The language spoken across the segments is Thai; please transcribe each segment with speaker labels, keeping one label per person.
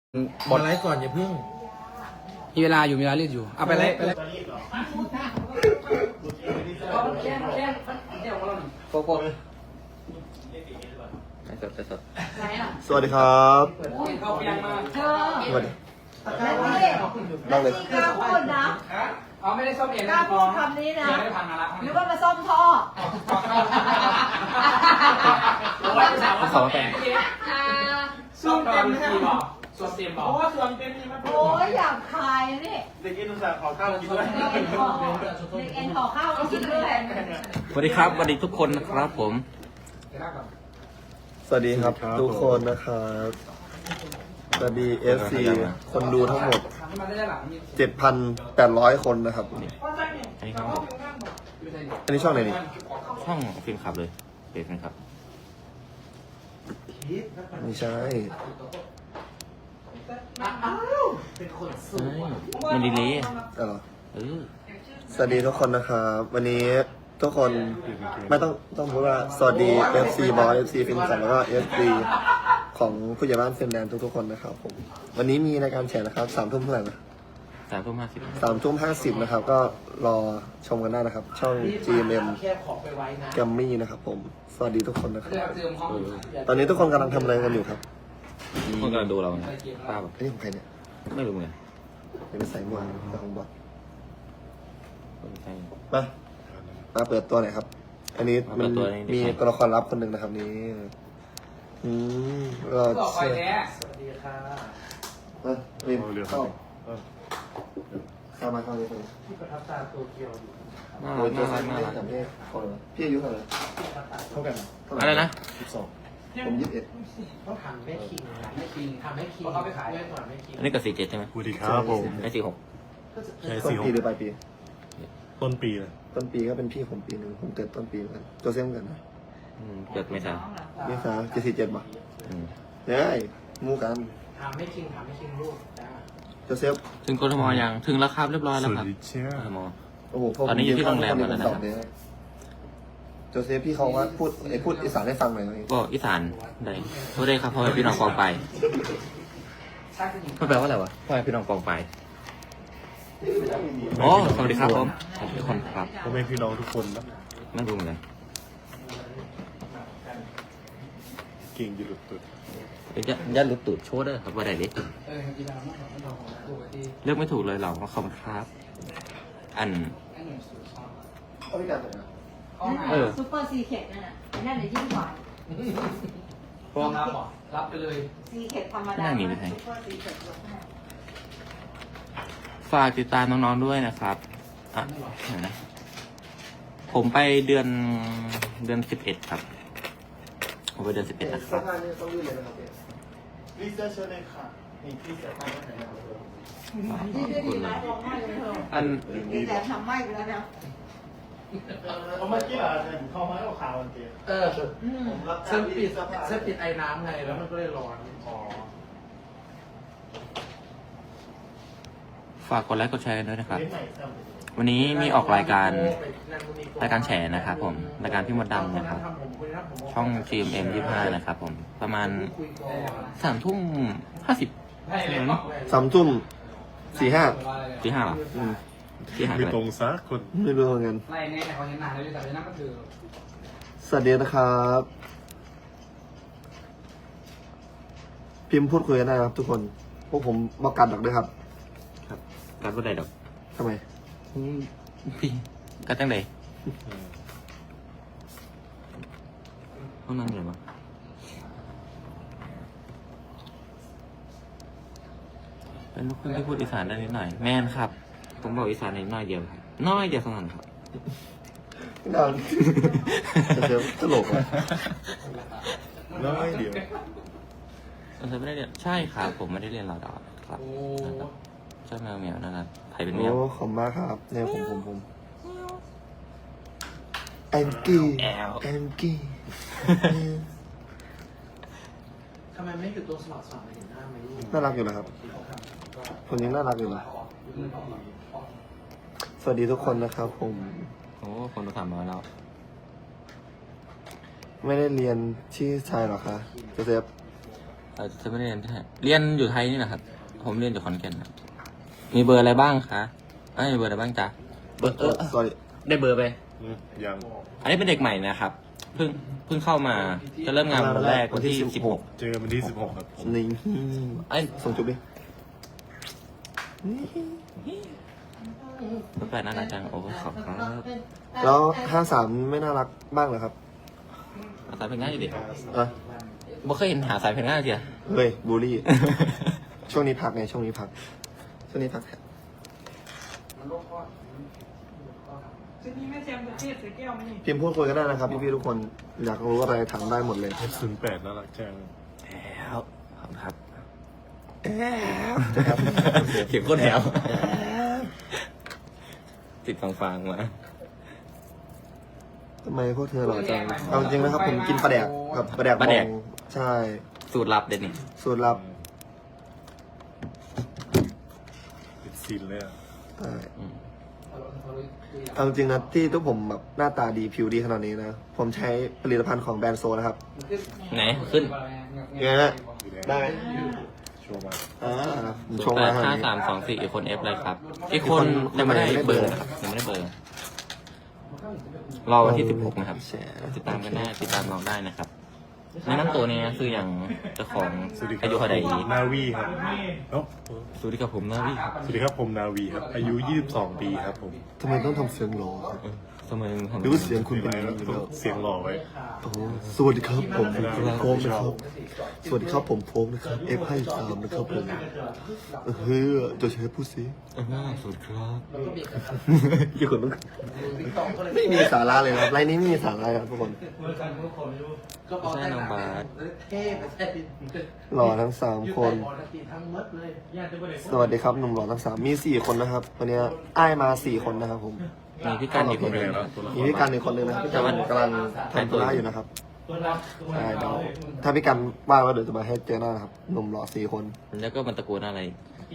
Speaker 1: มาไลฟ์ก่อนอย่าเพิ่ง
Speaker 2: มีเวลาอยู่มีเวลาเรียกอยู่เอาไปเลยโกโก้ไม่สดไม่สด
Speaker 3: สวัสดีครับ
Speaker 2: เข้าเปียงมา
Speaker 3: สวัสดี
Speaker 4: นั่งเลยกล้าพูดนะ
Speaker 2: เอาไม่ได้ซ่อมเอง
Speaker 4: กล้าพูดคำนี้นะ
Speaker 2: ไม่ได้พังมาละ
Speaker 4: หรือว่ามาซ่อมท่อ
Speaker 2: เขาสองเป็นซ่อมเต็มทีบอกส่วนเต็มบอกเพราะว่าส่วนเต็มนี่มัน
Speaker 4: โอ้ยอยากขายนี่
Speaker 1: เด็กกินอุตส่าห์ขอข้าวกินด้วย
Speaker 4: เด็กเอ็นห่อข้าวกินด้วย
Speaker 2: สวัสดีครับสวัสดีทุกคนนะครับผม
Speaker 3: สวัสดีครับทุกคนนะครับสวัสดี FC คนดูทั้งหมด 7,800 คนนะครับ
Speaker 5: อันนี้ครับ
Speaker 3: อันนี้ช่องไหนนี่
Speaker 5: ช่องฟิล์มขับเลยเพจฟิล์มขับ
Speaker 3: ไม่ใช่
Speaker 5: มันดีเลย
Speaker 3: อ๋อ
Speaker 5: อ
Speaker 3: สวัสดีทุกคนนะครับวันนี้ทุกคนไม่ต้องพูดว่าสวัสดี FC บอส FC ฟินสันแล้วก็ FC ของผู้ใหญ่บ้านฟินแลนด์ทุกๆคนนะครับผมวันนี้มีรายการแฉนะครับ3 ทุ่มเท่าไหร่นะ
Speaker 5: 3:50
Speaker 3: 3 ทุ่ม 50นะครับก็รอชมกันได้นะครับ ช่อง GMM
Speaker 1: แค่ขอไปไว้นะ
Speaker 3: แกมมี่นะครับผมสวัสดีทุกคนนะครับ
Speaker 2: เติมห้อง
Speaker 3: ตอนนี้ทุกคนกำลังทำอะไรกันอยู่ครับ
Speaker 5: คนกำลังดูเรานะป้าแบบ
Speaker 3: นี่ของใครเนี่ย
Speaker 5: ไม่รู้เหมือนกัน
Speaker 3: เป็นสายมวยแต่ของบอส
Speaker 5: ไม่ใช่
Speaker 3: มาเปิดตัวหน่อยครับ อันนี้มัน
Speaker 5: มาเปิดตัวนี่
Speaker 3: มีตัวละครลับคนหนึ่งนะครับนี้ก็
Speaker 2: ต่อไป
Speaker 3: เชื่อ
Speaker 2: แท้
Speaker 1: สวัสดีค่ะ
Speaker 3: รีบเข้าเข้ามาเข้าเลย
Speaker 1: ที่ประทับตาโตเกียวอยู่
Speaker 5: น่า
Speaker 3: โอ้ยตัว
Speaker 5: รั
Speaker 3: สั้
Speaker 5: ก
Speaker 3: น
Speaker 5: น่า
Speaker 3: ไม่
Speaker 5: รัก
Speaker 3: สำเร็จพี่อายุเท่าไหร่
Speaker 1: เท่ากัน
Speaker 5: อะไรนะ
Speaker 3: 12ผม21
Speaker 1: ต้องถามแม่คิงแม่คิงถามแม่คิงเขาไปขายด้วยก่อนแม่คิง
Speaker 5: อันนี้กับ47ใช่ไหม
Speaker 6: สวัสดีครับผม
Speaker 5: ไม่46
Speaker 6: ใช่
Speaker 3: ต้น
Speaker 6: สี่ห
Speaker 3: ปี
Speaker 6: ก
Speaker 3: หรือปลายปี
Speaker 6: ต้นปีนะ
Speaker 3: ต้นปีก็เป็นพี่ผมปีหนึ่งผมเกิดต้นปีเหมือนกันตัวเซ็มกันนะ
Speaker 5: เกิดไม่ทัน
Speaker 3: นี่สา77ป่ะ
Speaker 5: อืม
Speaker 3: เฮ้ยมูกัน
Speaker 1: ถามแม่คิงถามแม่คิงลูกนะ
Speaker 3: โจเซฟ
Speaker 5: ถึงกทมยังถึงแล้วครับเรียบร้อย
Speaker 6: ส
Speaker 5: แล้ว
Speaker 6: วัส
Speaker 5: ครับ
Speaker 6: ดีเชีย
Speaker 5: กทม
Speaker 3: โอ้โหพวก
Speaker 5: ตอนนี้อยู่ที่โรงแรมแล้วนะครับ
Speaker 3: โจเซฟพี่เขาว่าพูดอีสานให้ฟังหน่อยไหม
Speaker 5: ก็อีสานได้ก็ได้ครับพ่อแม่พี่น้องกองไปมันแปลว่าอะไรวะพ่อแม่พี่น้องกองไปอ๋อสวัสดีครับผมสวัสดีทุกคนครับ
Speaker 6: พ่อแม่พี่น้องทุกคนนะ
Speaker 5: ไม่รู้เหมือนกัน
Speaker 6: เก่งอยู่หลุดตุด
Speaker 5: ยัดลุกตูดโชว์เด้อครับว่าได้เล็ก
Speaker 2: กีฬามันของตัวที่
Speaker 5: เลือกไม่ถูกเลยเหราขอบคุณครับ อัน
Speaker 3: เขาพิการตัวนะ
Speaker 4: ซูเปอร์ซีเคทนั่นน่ะนั่นเลยยิ่งกว่า
Speaker 2: พร้อมรับหรอรับไปเลย
Speaker 4: ซีเคทธรรมดาซูเปอร์ซีเคท
Speaker 5: ฝากติดตามน้องๆด้วยนะครับอ่ะเดี๋ยวนะผมไปเดือน11ครับผมไปเดือน11นะค
Speaker 3: สะ
Speaker 5: รับ
Speaker 3: พานนี่ต้องยื่นเลยนะครับ
Speaker 1: ลิซ่าเชิญเลยค่ะนี่พี่เสียตังค์ไหนนะ
Speaker 4: ดีดีนะลองไม่เลยเถอะ
Speaker 5: อัน
Speaker 4: ดีแต่ทำไม่ไปแล้วนะ
Speaker 1: เขาเมื่อกี้อ่ะเขามาเอาข่าววันเดียวผมรับเส้นปิดไอ้น้ำไงแล้วมันก็เลยร้อนอ๋อ
Speaker 5: ฝากกดไลค์กดแชร์กันด้วยนะครับ วันนี้มีออกรายการแฉนะครับผมรายการพี่มดดำนะครับ ช่อง GMM 25นะครับผมประมาณ3 ทุ่ม 50
Speaker 2: ให้เลย
Speaker 3: 3 ทุ่ม 45
Speaker 5: ที่5หรอที่5
Speaker 6: ไม่
Speaker 5: กัน
Speaker 6: ตรงสักคน
Speaker 3: ไม่รู้เหมือนกัน
Speaker 2: ไล่แน่เขาเห็นหนาเลยแต่ในนั้นก็คือ
Speaker 3: สวัสดีนะครับ พิมพ์พูดคุยกันได้ครับทุกคน พวกผมบอกกันหรอกด้วยครับ
Speaker 5: ครับการว่าใดดอก
Speaker 3: ทำไม
Speaker 5: พี่กัดตั้งใดห้องนั่งอยู่มั้งเป็นลูกครึ่งที่พูดอีสานได้นิดหน่อย แม่นครับ ผมบอกอีสานนิดหน่อยเดียวครับน้อยเดียวเท่านั้นครับ
Speaker 3: นอนเดี๋ยวตลกอ่ะ
Speaker 6: น้อยเดียว
Speaker 5: ไม่ได้เรียนใช่ครับผมไม่ได้เรียนรอดอครับ
Speaker 2: โอ้
Speaker 5: เจ้าแมวเหมียวนะครับใครเป็นแม
Speaker 3: โอ้
Speaker 5: ว
Speaker 3: ขอบมากครับเนี่ยผมแอนกี้
Speaker 5: แอล
Speaker 3: แอนกี้
Speaker 1: ทำไมไม่อยู่ตรงสมัครสอบไม่เห็นหน้าไหมลูก
Speaker 3: น่ารักอยู่นะครับคนนี้น่ารักอยู่นะสวัสดีทุกคนนะครับผม
Speaker 5: โอ้คนดูถามมาแล้ว
Speaker 3: ไม่ได้เรียนที่ชายหรอคะโจเซฟ
Speaker 5: จะไม่ได้เรียนที่ไทยเรียนอยู่ไทยนี่แหละครับ ผมเรียนอยู่ขอนแก่นครับมีเบอร์อะไรบ้างคะมีเบอร์อะไรบ้างจ๊ะเบอร์
Speaker 3: sorry
Speaker 5: ได้เบอร์ไป
Speaker 6: ยัง
Speaker 5: อันนี้เป็นเด็กใหม่นะครับ เพิ่งเข้ามาจะเริ่มงานวันแรกวันที่16
Speaker 6: เจอกันวันที่16ครับผม
Speaker 3: นี่
Speaker 5: ไอ้
Speaker 3: ส่งจุ๊บดิ
Speaker 5: รถไฟน่ารักจังโอ้ขอบครับ
Speaker 3: แล้ว53ไม่น่ารักบ้างเหรอครับ
Speaker 5: สายเพลงง่ายดิ
Speaker 3: อ่ะ
Speaker 5: บ่เคยเห็นหาสายเพลงง่ายเสีย
Speaker 3: เฮ้ยบูลลี่ ช่วงนี้พักไงช่วงนี้พักแค่
Speaker 2: ชุดนี้แม่แจมจะเทศใส่แก้วไหมนี่
Speaker 3: พิมพ์พูดคุยกันได้นะครับพี่ๆทุกคนอยากรู้อะไรถามได้หมดเลย
Speaker 6: F08 น่ารักจัง
Speaker 5: แล้วขอบคุณครับ
Speaker 3: ครับ
Speaker 5: เขียนโคตรแถวติดฟังๆมา
Speaker 3: ทำไมพวกเธอหล่อจังเอาจริงนะครับผมกินปลาแดกกับปลาแดกบองใช่
Speaker 5: สูตรลับเด็ดนี่
Speaker 3: สูตรลับ
Speaker 6: เป็นซีนเลยอ่ะ
Speaker 3: ใช่เอาจริงนะที่ทุกผมแบบหน้าตาดีผิวดีขนาดนี้นะผมใช้ผลิตภัณฑ์ของแบรนด์โซนะครับ
Speaker 5: ไหนขึ้น
Speaker 3: ยังไงฮะได้ไหม
Speaker 6: ชัวร์มาก
Speaker 3: ชงมา
Speaker 5: 85324อีกคน F เลยครับ อีกคนยังไม่ได้เบอร์นะครับยังไม่ได้เบอร์ รอวันที่16นะครับ ติดตามกันได้ติดตามน้องได้นะครับในนั้นตัวนี้คืออย่างเจ้าของ
Speaker 6: สวัสดีครั
Speaker 5: อายุเท่าไหร่
Speaker 6: นาวีครับเอ้า
Speaker 5: สวัสดีครับผมนะพี่ครับ
Speaker 6: สวัสดีครับผมนาวีครับ อายุ 22 ปีครับผม
Speaker 3: ทำไมต้องทำเสียงหล่อครับ
Speaker 5: สมัยผม
Speaker 3: หรือว่าเสียงคุณเป็นอย่าง
Speaker 6: แล้
Speaker 3: นี้
Speaker 6: ว
Speaker 3: อยู่แล้ว
Speaker 6: เสียงหล่อไว้
Speaker 3: โอ้สวัสดีครับผมโฟมนะครับสวัสดีครับผมโฟมนะครับ F ให้ตามนะครับผมเฮ้ยจะใช้พูดสิ
Speaker 5: สวัสดีครับ
Speaker 3: อยู่คนต้องไม่มีสาระเลยนะครับไลน์นี้ไม่มีสาระครับทุกคน
Speaker 5: ใช่น้องบาส
Speaker 3: หล่อทั้ง3คน สวัสดีครับหนุ่มหล่อทั้ง3มี4คนนะครับวันนี้อ้ายมา4คนนะครับผม
Speaker 5: มีพี่กันอีกคนหนึง
Speaker 3: มีพี่กันอีกคนนึงนะครับพี่กันกำลังทำธุระอยู่นะครับใช่เดี๋ยวถ้าพี่กันว่างแล้วเดี๋ยวจะมาให้เจอหน้านะครับหนุ่มหล่อ4คน
Speaker 5: แล้วก็มันตะโกนอะไร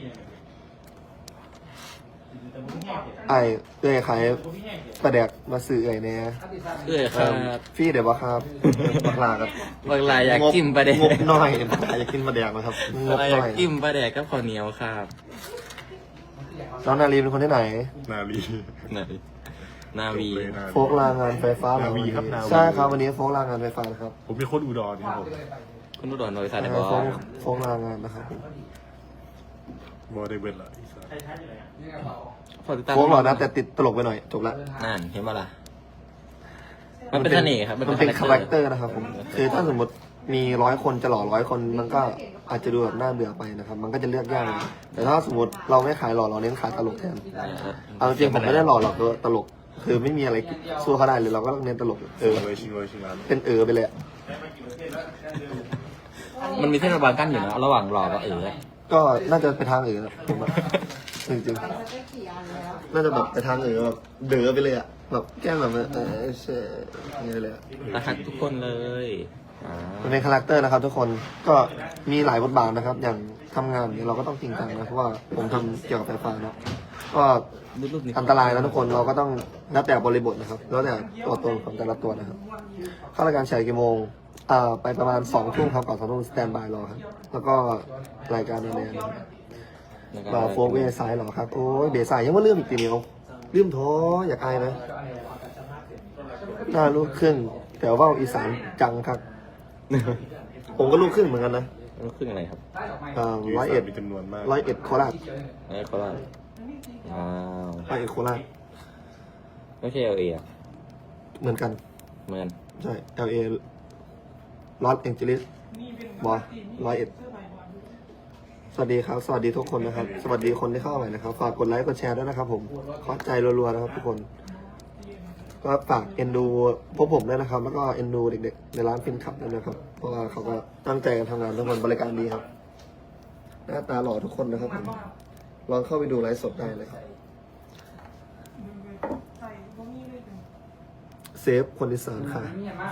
Speaker 3: ไอ้เอ้ยขายปลาแดกมาสื่อเอ้ยเนี่ย
Speaker 5: ครับ
Speaker 3: พี่เดี๋ยวว่าครับบักลาครับ
Speaker 5: บางรายอยากจิ้มปลาแดก
Speaker 3: งบน้อยบักลาอยากกินปลาแดกนะครับง
Speaker 5: บาง
Speaker 3: บ
Speaker 5: รายอ
Speaker 3: น้
Speaker 5: ยา
Speaker 3: อก ย
Speaker 5: จิ้มปลาแดกกับข้าวเหนียวครับ
Speaker 3: น้องนาลีเป็นคนที่ไหน
Speaker 6: นาวี
Speaker 5: ไหนนาวี
Speaker 6: เลยนา
Speaker 3: โฟกลางานไฟฟ้าเหรอ
Speaker 6: นาวีครับนาวี
Speaker 3: ใช่ครับวันนี้โฟกลางานไฟฟ้านะครับ
Speaker 6: ผมเป็นคนอุดรครับผม
Speaker 5: คุณนุดรบริษัทไหนบอ
Speaker 3: โฟกลางานนะครับผม
Speaker 6: บอได้เวลาอีสาน
Speaker 5: ฝากติดตาม
Speaker 3: โฟกหล่อนะแต่ติดตลกไปหน่อยจบละ
Speaker 5: นั่นเห็นปะล่ะมันเป็นเสน่ห์ครับ
Speaker 3: มันเป็นคาแรคเตอร์นะครับผมคือถ้าสมมติมี100 คนจะหล่อ100 คนมันก็อาจจะดูแบบน่าเบื่อไปนะครับ มันก็จะเลือกยากเลยแต่ถ้าสมมติเราไม่ขายหล่อเราเน้นขายตลกแทนเอาจริงผมไม่ได้หล่อหรอกตลก คือไม่มีอะไรสู้เขาได้เลยเราก็ต้องเน้นตลก
Speaker 6: ชิงเลยชิงร้าน
Speaker 3: เป็นไปเลยอะ
Speaker 5: มันมีเส้นบางกั้นอยู่นะระหว่างหล่อกับ
Speaker 3: ก็น่าจะไปทางนะผมว่าจริงๆน่าจะแบบไปทางแบบเด๋อไปเลยอะแบบแก้มแบบเช่อย่างเงี้ยเลยอะ
Speaker 5: รักทุกคนเลย
Speaker 3: มันเป็นคาแรคเตอร์นะครับ ทุกคนก็มีหลายบทบาทนะครับ อย่างทำงานเนี่ยเราก็ต้องจริงจังนะเพราะว่าผมทำเกี่ยวกับไฟฟ้าเนาะก็อันตรายนะทุกคนเราก็ต้องแล้วแต่บริบทนะครับแล้วแต่ตัวตนของแต่ละตัวนะครับเข้ารายการฉายกี่โมงไปประมาณ2 ทุ่มครับก่อน2 ทุ่มสแตนบายรอครับแล้วก็รายการแนวๆโฟกเวสายหรอครับโอ้ยเบสายยังว่าเรื่องอีกทีเดียวลืมท้ออยากอายนะหน้าลูกครึ่งแต่ว่าอีสานจังครับ ผมก็ลูกครึ่งเหมือนกันนะ
Speaker 5: ลูกครึ่งอะไรครับ
Speaker 3: 101
Speaker 6: มีจำนวนมาก
Speaker 3: 101โคราช
Speaker 5: โคราชว้าว
Speaker 3: 101โคราช
Speaker 5: ไม่ใช่LAอ่ะ
Speaker 3: เหมือนกัน
Speaker 5: เหมือน
Speaker 3: ใช่ LA ลอสแองเจลิสบอ101สวัสดีครับ สวัสดีทุกคนนะครับ สวัสดีคนที่เข้าใหม่นะครับ ฝากกดไลค์กดแชร์ด้วยนะครับผมขอใจรัวๆนะครับทุกคน ก็ฝากเอ็นดูพวกผมด้วยนะครับ แล้วก็เอ็นดูเด็กๆในร้านฟินขับด้วยนะครับ เพราะว่าเขาก็ตั้งใจกันทำงานทุกคนบริการดีครับ หน้าตาหล่อทุกคนนะครับผมลองเข้าไปดูไลฟ์สดได้เลยครับเซฟคนอีสานค่ะ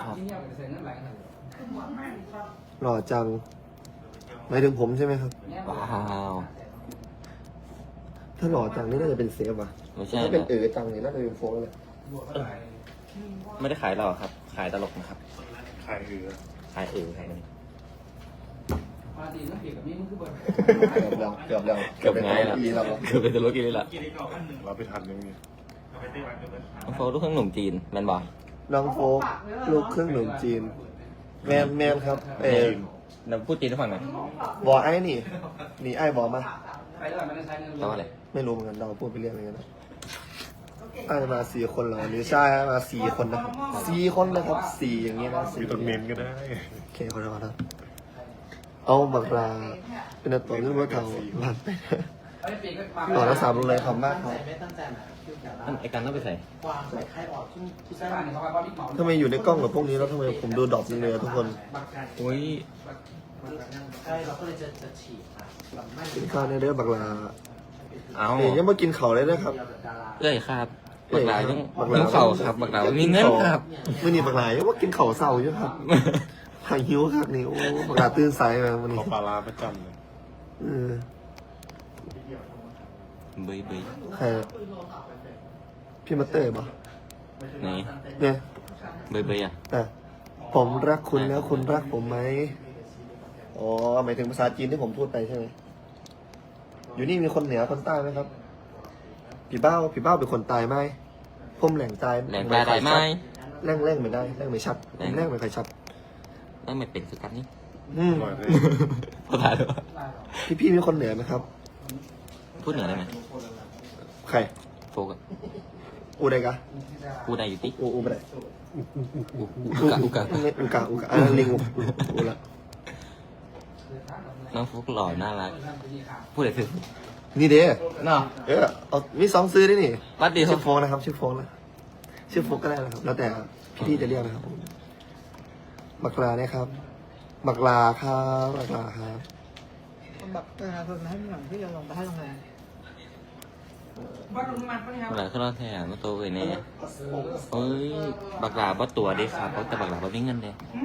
Speaker 3: หล่อจังหมายถึงผมใช่ไหมครับ
Speaker 5: ว้าว
Speaker 3: ถ้าหล่อจังนี่น่าจะเป็นเซฟว่ะ
Speaker 5: ไม่ใช่
Speaker 3: ถ้าเป็นจังนี่น่าจะเป็นโฟกเลย
Speaker 5: ไม่ได้ขายหรอกครับ ขายตลกนะครับ
Speaker 6: ขายเอือ
Speaker 5: ขายครับ
Speaker 2: ตีนั่งเกี่ยวกับนี่มันคือเบิร์ด
Speaker 3: เกือบแล้ว
Speaker 5: เกือบง่ายละ
Speaker 3: ปีแล้ว
Speaker 5: เกือบเป็นตัวรถกินเลยละ
Speaker 6: เราไปทันยังไง
Speaker 5: น้องโฟลูกครึ่งหนุ่มจีนแมนบอ
Speaker 3: น้องโฟกลูกครึ่งหนุ่มจีน แมนครับ
Speaker 5: เราพูดจีนให้ฟังหน่อย
Speaker 3: บอไอ้นี่ไอ้บอมา
Speaker 2: ไปแล้วมันได้ใช้เงิน
Speaker 5: แปลว่าอะไร
Speaker 3: ไม่รู้เหมือนกันเราพูดไปเรื่อยเลยนะไอ้มา4 คนเหรอหรือใช่มา4 คนนะครับ4 คนนะครับ4อย่างเงี้ยนะ
Speaker 6: มีต้นเมนก็ได้
Speaker 3: โอเคขอโทษครับเอาบักลาเป็นตัวเรื่องว่าเขาหลันไปต่อแล้ว3เลยขอบมากครับ
Speaker 1: ไม่ตั้งใจนะ
Speaker 5: อันไอการต้องไปใส่
Speaker 1: ความใส่ไข่ออกช่วงที่
Speaker 2: ใช้บ้านเขาไปบอลบิ๊กหมอ
Speaker 3: ทำไมอยู่ในกล้องกับพวกนี้แล้วทำไมผมดูดรอปเลยทุกคน
Speaker 5: โอ้ย
Speaker 1: ใช่เราก็เลยจะฉีดค่ะแบบไม่
Speaker 3: กินข้าวในเด้อบักลา
Speaker 5: เอา
Speaker 3: เนี่ยยังมากินเขาเลยนะครับ
Speaker 5: เอ้ยครับบักหลาต้องต้องเข่าครับบักหลามีเงินครับ
Speaker 3: มื่อนี้บักลายังมากินเขาเศร้าอยู่ครับหายหิวครับนี่โอ้บักลาตื่นสายมาวันนี้
Speaker 6: เขาปลาร้าประจำเลย
Speaker 3: เออ
Speaker 5: เบยเบย
Speaker 3: ใครพี่มาเตอร์ป่ะ
Speaker 5: ไหน
Speaker 3: เนี่ย
Speaker 5: เบยเบยอ่ะ
Speaker 3: อ่ะผมรักคุณแล้วคุณรักผมไหมอ๋อหมายถึงภาษาจีนที่ผมพูดไปใช่ไหมอยู่นี่มีคนเหนือคนใต้ไหมครับพี่เบ้าเป็นคนตายไหมผมแหล่งตาย
Speaker 5: แหลงปลาได้ไหม
Speaker 3: แร่งไม่ได้แร่งไม่ชัดผมแร่งไม่ค่อยชัด
Speaker 5: แล้วไม่เป็นคือกันนี่
Speaker 3: อืม
Speaker 6: อร่อยเลย
Speaker 5: พอถ่ายด้วย
Speaker 3: พี่มีคนเหนือไหมครับ
Speaker 5: พูดเหนือได้ไหม
Speaker 3: ใคร
Speaker 5: โฟกอะ
Speaker 3: อูได้กะ
Speaker 5: พูดได้อยู่ติ
Speaker 3: อูไม่ได้
Speaker 5: อุกะอุกะ
Speaker 3: อูกะอันนั้นลิงอูละ
Speaker 5: น้องโฟกหล่อน่ารักพูดอะไรถึง
Speaker 3: นี่เด้
Speaker 5: เนาะ
Speaker 3: เอามี2ซื้อได้นี่
Speaker 5: วัดดีครั
Speaker 3: ชื่
Speaker 5: บ
Speaker 3: อโฟกนะครับชื่อโฟกนะชื่อโฟกก็ได้นะครับ แล้วแต่พี่จะเรียกนะครับบักลาเนี่ยครับบักลาครับบักลาครับ
Speaker 4: แบบประชาชนมาให้หน่อยที่จะลงไปให้โรงแรม
Speaker 2: บ้านลุงมันเขาเนี่ย
Speaker 5: บักหลาขึ้นรถแทนมาโตเวยเนี่ยเอ้ยบักหลาบ่ตัวเด้ครับเพราะแต่บักหลาบ่มีเงินเด้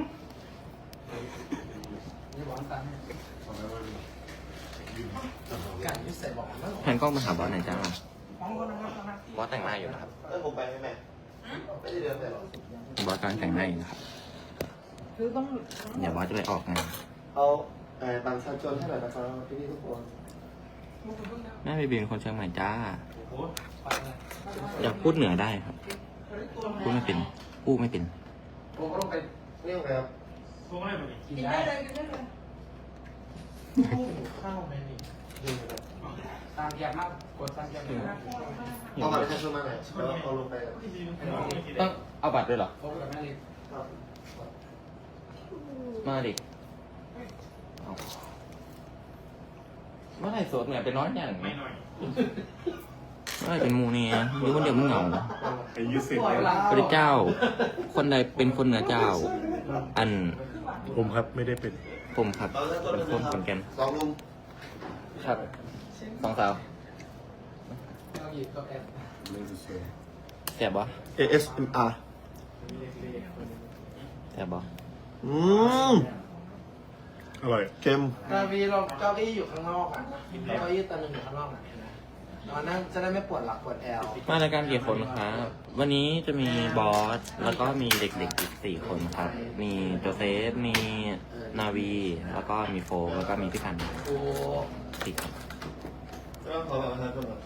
Speaker 1: การที่ใส่บอกว่า
Speaker 5: แทนกล้องมาหาบอสหน่อยจ้าบอสแต่งหน้าอยู่นะครับ
Speaker 3: ผมไปไหมแม่ไม่ได้เดินไปหรอก
Speaker 5: บอสกำลังแต่งหน้าอยู่นะครับ
Speaker 4: คือต้อง
Speaker 5: เดี๋ยวบอสจะไปออกงาน
Speaker 3: เอาบังชาชนให้หน่อยนะครับพี่ทุกคน
Speaker 5: แม่ไปบินคนเชียงใหม่จ้า อยากพูดเหนือได้ครับ พูดไม่เป็นพูดไม่เป็น
Speaker 2: ผมก็ลงไป
Speaker 3: เรียกอะไรครับ
Speaker 2: กินได้
Speaker 1: ข้าวไม่มี
Speaker 2: ตามเกียร์มากกดตามเกียร์เลย
Speaker 3: เอาบัตรประชาชนมาหน่อยแล้วเอาลงไป
Speaker 5: ต้องเอาบัตรด้วยเหรอ
Speaker 2: โฟกับแม่เล็ก
Speaker 5: มาดิเอาเมื่อไหร่โสดเนี่ยเป็นน้อยอย่างนี้เมื่อไหร่เป็นหมูเนี่ยอยู่คนเดียวมึงเหงา
Speaker 6: ไอ้ยูสิ
Speaker 5: พระเจ้า คนใดเป็นคนเหนือเจ้า อัน
Speaker 6: ผมครับไม่ได้เป็น
Speaker 5: ผมครับเป็นคนขอนแก่น
Speaker 3: สองลุม
Speaker 5: ครับสองสาว
Speaker 2: เอาหยิบกับแอบ
Speaker 5: แสบบ่
Speaker 3: ASMR
Speaker 5: แสบบ่
Speaker 6: อร่อย
Speaker 3: เค็ม
Speaker 1: กาวีเราเก้าอี้อยู่ข้างนอกอ่ะเก้าอี้ตัวหนึงอยู่ข้างนอกอ่ะนอนนั่งจะได้ไม่ปวดหลังปวดแอว
Speaker 5: มารายการกี่คนครับ วันนี้จะมีบอส แล้วก็มีเด็กๆอีก4 คนครับ มีโจเซฟ มีนาวี แล้วก็มีโฟกแล้วก็มีพี่พันธ์
Speaker 1: โอ้
Speaker 5: สี่คน
Speaker 3: แล้วขอบัตรประชาชนหน่อย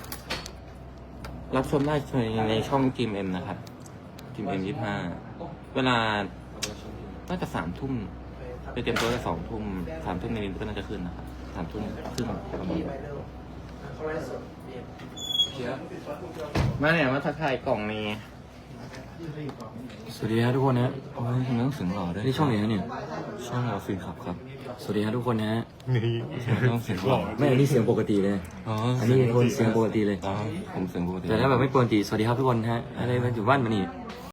Speaker 5: รับชมได้ในช่องทีมเอ็มนะครับทีมเอ็ม25 เวลาน่าจะ3 ทุ่มไปเตรียมตัวจะ2 ทุ่ม3 ทุ่มนิดๆก็น่าจะขึ้นนะครับ3 ทุ่มครึ่งประมาณ
Speaker 1: พี่
Speaker 5: นี้
Speaker 1: ไปเร็วเขาไล่สดเบียร์
Speaker 5: มาเนี่ยมาทักทายกล่องนี้
Speaker 7: สวัสดีครับทุกคนนะ
Speaker 5: โอ้ยทำไมต้องเสียงหล่อด้วย
Speaker 7: นี่ช่องไหนนะเนี่ย
Speaker 5: ช่องเราฟินขับครับ
Speaker 7: สวัสดีครับทุกคนนะ
Speaker 6: นี่
Speaker 5: ทำไมต้องเสียงหล่อ
Speaker 7: ไม่อันนี้เสียงปกติเลย
Speaker 5: อ๋อ
Speaker 7: อันนี้คนเสียงปกติเลย
Speaker 5: อ๋อผมเสียงปกติ
Speaker 7: แต่ถ้าแบบไม่ปกติ สวัสดีครับทุกคนนะฮะ อะไรมันอยู่บ้านมานี่